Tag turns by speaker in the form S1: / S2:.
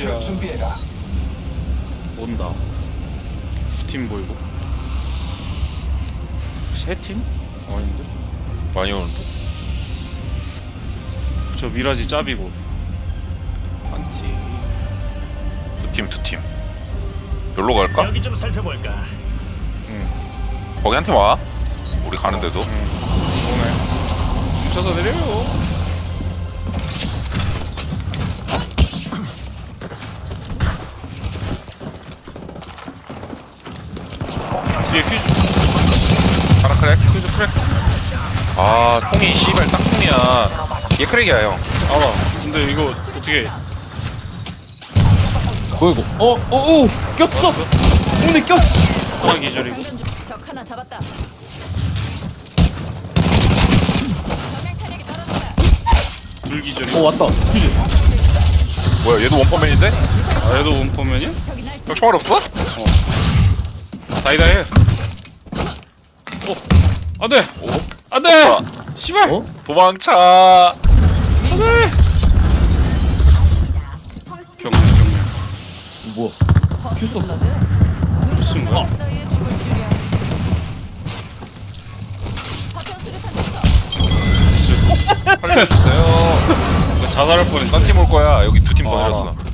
S1: 처치를 준비해라.
S2: 온다. 두 팀 보이고. 세 팀? 아닌데?
S3: 많이 오는데?
S2: 저 미라지 짭이고. 한 팀.
S3: 두 팀. 여기로 갈까?
S4: 여기 좀 살펴볼까?
S2: 응.
S3: 거기 한 팀 와. 우리 가는데도.
S2: 응. 오네. 뭉쳐서 내려요. 뒤에 퀴즈.
S3: 하나 크랙.
S2: 퀴즈 크랙.
S3: 아, 총이 씨발 딱 총이야. 얘 크랙이야, 형.
S2: 알아. 근데 이거 어떻게?
S5: 뭐야 이거? 오! 꼈어! 근데 꼈어!
S2: 하나 기절이고.
S6: 장전 중. 적 하나 잡았다. 정량 탄약이 떨어진다.
S2: 둘 기절이고.
S5: 왔다. 퀴즈.
S3: 뭐야, 얘도 원퍼맨인데?
S2: 아, 얘도 원퍼맨이야?
S6: 저기 날
S3: 형 총알 없어?
S2: 다이다 해. 오, 안돼,
S3: 오?
S2: 안돼. 씨발.
S5: 어?
S3: 도망차.
S2: 안돼. 경례.
S5: 뭐야?
S6: 큐스 블러드.
S2: 무슨 거야?
S6: 사이에 죽을 줄이야. 파편 수류탄 투척.
S3: 살려주세요.
S2: 나 자살할 뻔했어.
S3: 딴 팀 올 거야. 여기 두 팀 더
S2: 아.
S3: 내렸어.